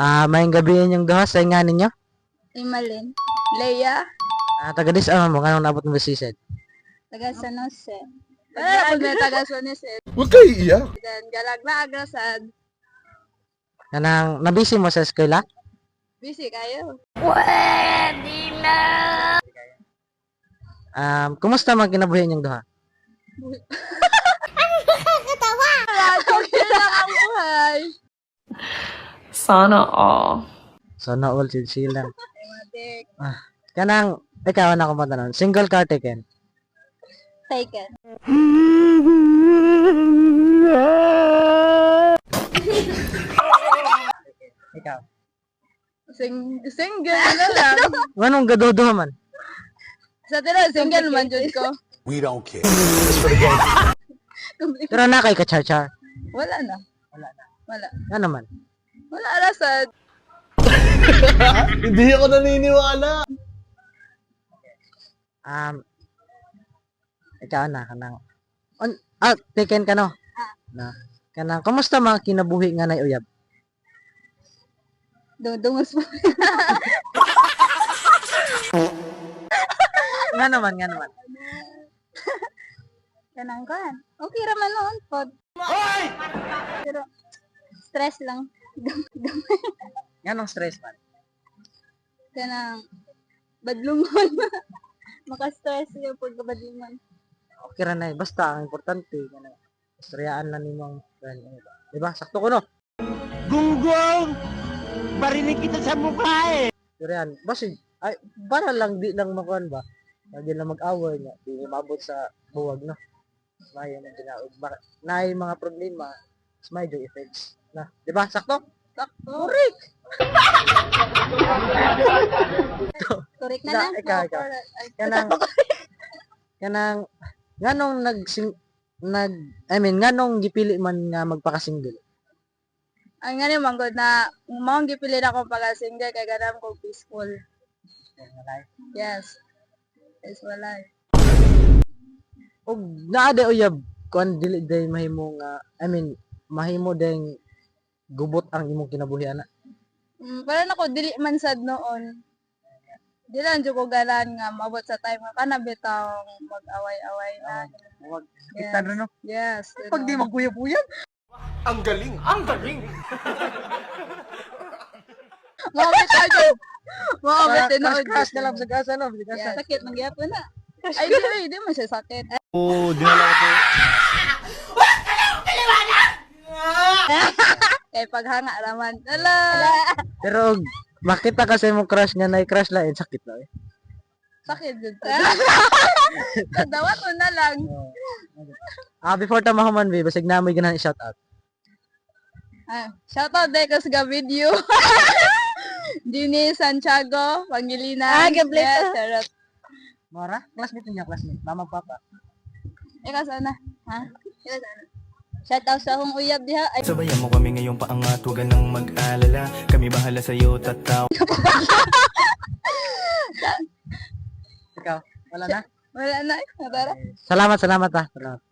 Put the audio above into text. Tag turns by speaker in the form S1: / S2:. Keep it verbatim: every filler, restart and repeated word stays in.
S1: Ah, mayong gabi yung duha sa nga ninyo.
S2: Imalin. Leia.
S1: Ah, taga dis ano mo kanang naabot mo basisid.
S2: Taga San Jose. Wala na po may taga San Jose.
S3: Huwag kayo iiyak.
S2: Dan galag na agrasad.
S1: Kanang nabisi mo sa eskwela?
S2: Busy kayo.
S1: Um, kumusta man kinabuhi yung duha?
S2: Okay lang ang buhay.
S4: Sana all.
S1: So na all chill chill lang.
S2: Matik.
S1: Ah, kanang ikaw na ko matanong. Single car taken.
S2: Taken.
S1: Ikaw.
S2: Sing single na lang.
S1: Anong gaduduha man?
S2: Sa tira single man jud ko.
S3: We don't care.
S1: Pero na kay ka-char-char.
S2: Wala na.
S1: Wala na.
S2: Wala.
S1: Ano man?
S2: Wala arasad.
S3: Hindi ako naniniwala.
S1: Um, ikaw na kanang on ah, taken ka no? Na. Kanang kumusta man kinabuhi nga nay uyab?
S2: Dungdungos mo.
S1: Nga naman, nga naman.
S2: Kanang kan. Okay ra man noon pod. Pero stress lang.
S1: Nga nung stress man.
S2: Kanang badlungon. Maka-stress yung pagkabadlungon.
S1: Okay ra na eh. Basta ang importante kanang istoryaan na nimong friend. Di ba? Sakto ko no.
S5: Gunggong! Barinig kita sa mukha eh!
S1: Istoryahan. Basta ay para lang di lang makuan ba. Lagi lang mag-away nga. Di mabot sa buwag no. May na ginaog. Naay mga problema. May joy effects. Na, di ba? Sakto?
S2: Sakto.
S1: Correct.
S2: Correct na
S1: Da,
S2: na.
S1: ikaw, ikaw. Kanang kanang nganong nag nag I mean nganong gipili man nga magpaka-single.
S2: Ang nga naman good na mong gipili na ko pala single kay ganam ko peaceful. Yes. Peaceful life.
S1: Og naa de uyab kuan dili day mahimo nga I mean mahimo deng gubot ang imong kinabuhi ana.
S2: Mm, para na ko dili man sad noon. Di lang jud ko galan nga mabot sa time nga kana bitawng mag-away-away na.
S1: Wag
S2: Yes.
S1: kita no.
S2: Yes.
S1: Pag di magkuyap-uyab.
S3: Ang galing, ang galing.
S2: Mabit ka dyan. Mabit din ako.
S1: Crash na lang sa gasa no. Sa
S2: Yeah,
S1: gasa.
S2: sakit man gyapon na. Ay, di, ay, di man siya sakit.
S5: Oo, dinala ko.
S2: Kay paghanga raman. Ala!
S1: Pero og makita kasi mo crush nga nay crush lain sakit na eh.
S2: Sakit dyan. Dawat mo na lang.
S1: Ah before ta mahuman bi basig namoy ganahan i-shout out.
S2: Ah, shoutout day ko sa video. Dini Santiago, Pangilinan.
S6: Ah, gabless.
S2: Yes, sarap.
S1: Mara, classmate niya, classmate. Mama papa.
S2: Ikaw sana? Ha? Ikaw sana? Shoutout sa akong uyab diha. Ay,
S7: Sabayan mo kami ngayong paangat, huwag ka nang mag-alala. Kami bahala sa'yo, tataw.
S1: Ikaw, wala na.
S2: wala na. Tara.
S1: Salamat, salamat ah. Salamat.